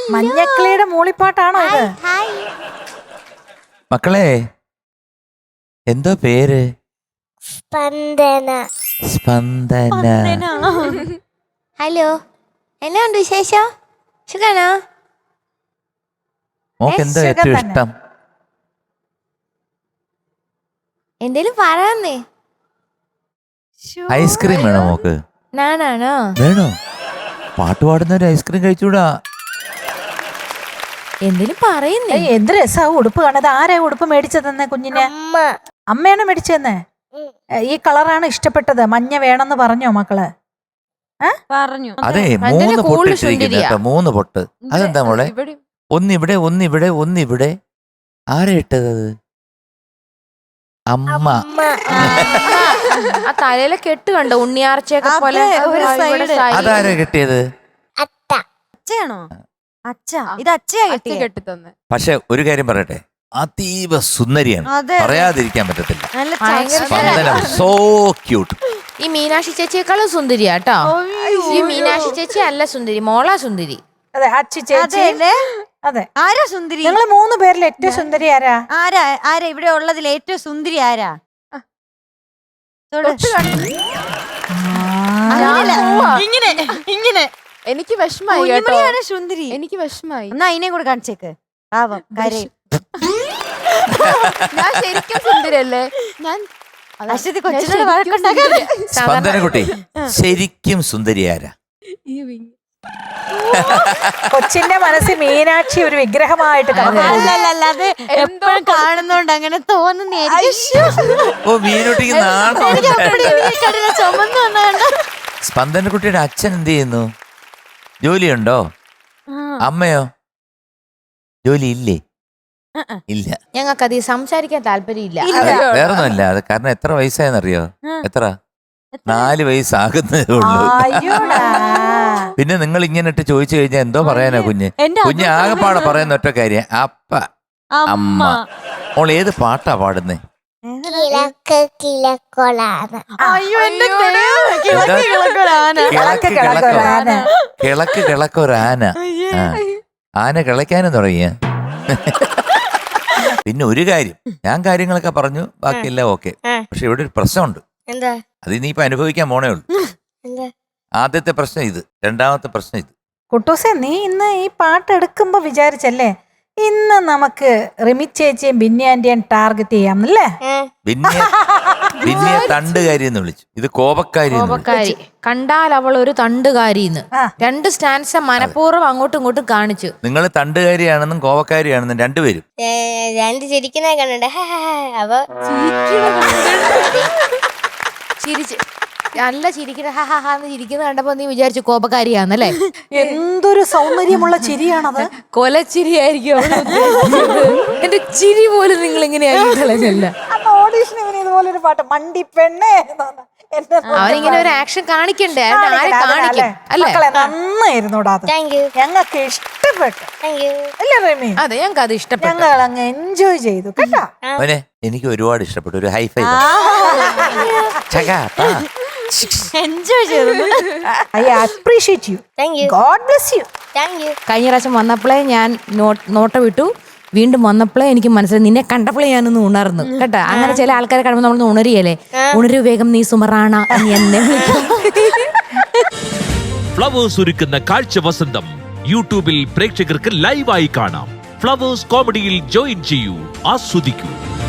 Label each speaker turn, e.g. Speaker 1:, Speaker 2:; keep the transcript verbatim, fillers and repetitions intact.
Speaker 1: മഞ്ഞക്കിളിയുടെ മൂളിപ്പാട്ടാണോ ഇത്?
Speaker 2: മക്കളെ എന്തോ പേര്?
Speaker 3: സ്പന്ദന.
Speaker 2: സ്പന്ദന.
Speaker 3: ഹലോ, എന്നാ ഉണ്ട് വിശേഷം? സുഖാണോ?
Speaker 2: മോക്ക് എന്താ ഏറ്റവും ഇഷ്ടം?
Speaker 3: എന്തേലും പറയാന്നേ.
Speaker 2: ഐസ്ക്രീം വേണോ മോക്ക്?
Speaker 3: ഞാനാണോ?
Speaker 2: വേണോ? പാട്ട് പാടുന്നവര് ഐസ്ക്രീം കഴിച്ചൂടാ.
Speaker 3: എന്തേലും പറയുന്നേ.
Speaker 1: എന്ത് രസാ ഉടുപ്പ് കാണാതെ. ആരാ ഉടുപ്പ് മേടിച്ചതെന്ന് കുഞ്ഞിനെ? അമ്മയാണ് മേടിച്ചതെന്ന്. ഈ കളറാണ് ഇഷ്ടപ്പെട്ടത്, മഞ്ഞ വേണമെന്ന് പറഞ്ഞോ മക്കള്?
Speaker 4: പറഞ്ഞു.
Speaker 2: അതെ, മൂന്ന് പൊട്ട് ഇട്ടിരിക്കുന്നു കേട്ടോ, മൂന്ന് പൊട്ട്. അതെന്താ മോളെ? ഒന്നിവിടെ ഒന്നിവിടെ ഒന്നിവിടെ. ആരാ ഇട്ടത്? അമ്മ.
Speaker 4: ആ തലയിലെ കെട്ട് കണ്ടോ, ഉണ്ണിയാർച്ചയൊക്കെ പോലെ.
Speaker 2: അതാരാ കെട്ടിയത്?
Speaker 4: അച്ഛയാണോ? അച്ഛ. ഇത് അച്ഛയാ കെട്ടി തന്നെ.
Speaker 2: പക്ഷെ ഒരു കാര്യം പറയട്ടെ, അതീവ സുന്ദരിയാണ്, പറയാതിരിക്കാൻ പറ്റത്തില്ല. So cute.
Speaker 4: ഈ മീനാക്ഷി ചേച്ചിയേക്കാളും സുന്ദരിയാ കേട്ടോ. ഈ മീനാക്ഷി ചേച്ചി അല്ല സുന്ദരി, മോളാ സുന്ദരി.
Speaker 1: അതെ, അച്ചി ചേച്ചി. അതെ,
Speaker 5: ആരാ സുന്ദരി?
Speaker 1: ഞങ്ങള് മൂന്ന് പേരിൽ ഏറ്റവും സുന്ദരി ആരാ?
Speaker 5: ആരാ ആരാ ഇവിടെ ഉള്ളതിൽ ഏറ്റവും സുന്ദരി ആരാ? ഇങ്ങനെ ഇങ്ങനെ
Speaker 4: എനിക്ക് വിഷമായി കേട്ടോ.
Speaker 5: സുന്ദരി
Speaker 4: എനിക്ക് വിഷമായി.
Speaker 5: എന്നാ അതിനെ കൂടെ കാണിച്ചേക്ക്. പാവം കരയും.
Speaker 4: ഞാൻ ശരിക്കും സുന്ദരിയല്ലേ? ഞാൻ
Speaker 5: അശ്വതി കൊച്ചിനോട് വഴക്കുണ്ടാക്കാതെ.
Speaker 2: സ്പന്ദനക്കുട്ടി ശരിക്കും സുന്ദരി ആരാ?
Speaker 1: കൊച്ചിന്റെ മനസ്സിൽ മീനാക്ഷി ഒരു വിഗ്രഹമായിട്ട്
Speaker 5: അല്ലാതെ എപ്പോഴും കാണുന്നോണ്ട് അങ്ങനെ തോന്നുന്നു.
Speaker 2: ഓ, മീനുട്ടിക്ക് നാണോ?
Speaker 5: ചുമന്ന് വന്നാണ്ട്.
Speaker 2: സ്പന്ദനക്കുട്ടിയുടെ അച്ഛൻ എന്ത് ചെയ്യുന്നു? ജോലിയുണ്ടോ? അമ്മയോ? ജോലി ഇല്ലേ? ഇല്ല.
Speaker 4: ഞങ്ങൾക്ക് അത് സംസാരിക്കാൻ താല്പര്യമില്ല.
Speaker 2: വേറൊന്നുമല്ല, അത് കാരണം എത്ര വയസ്സായെന്നറിയോ? എത്ര? നാല് വയസ്സാകുന്നതേ ഉള്ളൂ. പിന്നെ നിങ്ങൾ ഇങ്ങനെ ഇട്ട് ചോദിച്ചു കഴിഞ്ഞാൽ എന്തോ പറയാനാ കുഞ്ഞ്? കുഞ്ഞ് ആകെപ്പാടെ പറയുന്ന ഒറ്റ കാര്യം അപ്പ അമ്മ. മോൾ ഏത് പാട്ടാ പാടുന്നേ?
Speaker 3: കിഴക്ക് കിഴക്കൊലാന.
Speaker 2: കിളക്ക് കിളക്കൊരാന. കിളക്ക് കിളക്കൊരാന. ആന കിളയ്ക്കാനും തുടങ്ങിയ. പിന്നെ ഒരു കാര്യം, ഞാൻ കാര്യങ്ങളൊക്കെ പറഞ്ഞു, ബാക്കിയെല്ലാം ഓക്കെ. പക്ഷെ ഇവിടെ ഒരു പ്രശ്നമുണ്ട്. അത് ഇനിയിപ്പോ അനുഭവിക്കാൻ പോണേ ഉള്ളൂ. ആദ്യത്തെ പ്രശ്നം ഇത്, രണ്ടാമത്തെ പ്രശ്നം ഇത്.
Speaker 1: കുട്ടൂസെ, നീ ഇന്ന് ഈ പാട്ട് എടുക്കുമ്പോ വിചാരിച്ചല്ലേ ഇന്ന് നമുക്ക് റിമി ചേച്ചിയും ബിന്യാന്റെയും ടാർഗറ്റ് ചെയ്യാമെന്നല്ലേ?
Speaker 2: ബിന്നിയെ തണ്ടുകാരി എന്ന് വിളിച്ചു, ഇത് കോപക്കാരി.
Speaker 4: കണ്ടാൽ അവൾ ഒരു തണ്ടുകാരിന്ന്. രണ്ട് സ്റ്റാൻസ് മനഃപൂർവ്വം അങ്ങോട്ടും ഇങ്ങോട്ടും കാണിച്ചു.
Speaker 2: നിങ്ങൾ തണ്ടുകാരിയാണെന്നും കോപക്കാരിയാണെന്നും രണ്ടുപേരും.
Speaker 3: രണ്ട് ചിരിക്കുന്ന കണ്ടേ. അപ്പൊ
Speaker 4: ചിരിച്ച് നല്ല ചിരിക്കുന്ന ഹാന്ന് ചിരിക്കുന്ന കണ്ടപ്പോ നീ വിചാരിച്ചു കോപക്കാരിയാന്നല്ലേ?
Speaker 1: എന്തൊരു സൗന്ദര്യമുള്ള ചിരിയാണത്.
Speaker 4: കൊലച്ചിരിയായിരിക്കും എന്റെ ചിരി പോലും നിങ്ങൾ ഇങ്ങനെയായില്ല.
Speaker 1: ഓഡീഷൻ ഇതുപോലെ ഒരു പാട്ട് മണ്ടി പെണ്ണേ,
Speaker 4: അവനിങ്ങനെ ഒരു ആക്ഷൻ കാണിക്കണ്ടേ? ആരെ കാണിക്കും അല്ലേ?
Speaker 1: നന്നായിരുന്നു. ഞങ്ങൾക്ക് ഇഷ്ടപ്പെട്ടു അല്ലേ റമി?
Speaker 4: അതെ, ഞങ്ങൾക്ക് അത് ഇഷ്ടപ്പെട്ടു.
Speaker 1: ഞങ്ങൾ അങ്ങ് എൻജോയ് ചെയ്തു കേട്ടോ.
Speaker 2: എനിക്ക് ഒരുപാട് ഇഷ്ടപ്പെട്ടു. ഒരു ഹൈഫൈ
Speaker 5: എൻജോയ് ചെയ്തു.
Speaker 1: I appreciate you. God bless you.
Speaker 4: കഴിഞ്ഞ പ്രാവശ്യം വന്നപ്പോഴേ ഞാൻ നോട്ട വിട്ടു, വീണ്ടും വന്നപ്പോഴേ എനിക്ക് മനസ്സിലായി നിന്നെ കണ്ടപ്പോഴേ ഞാനൊന്ന് ഉണർന്നു കേട്ടോ. അങ്ങനെ ചില ആൾക്കാരെ കാണുമ്പോൾ നമ്മളൊന്ന് ഉണരിയല്ലേ? ഉണരു വേഗം നീ സുമറാണ എന്ന് എന്നെ വിളിക്കും.
Speaker 6: ഫ്ലവേഴ്സ് ഒരുക്കുന്ന കാഴ്ച വസന്തം യൂട്യൂബിൽ പ്രേക്ഷകർക്ക് ലൈവായി കാണാം. ഫ്ലവേഴ്സ് കോമഡിയിൽ ജോയിൻ ചെയ്യൂ, ആസ്വദിക്കൂ.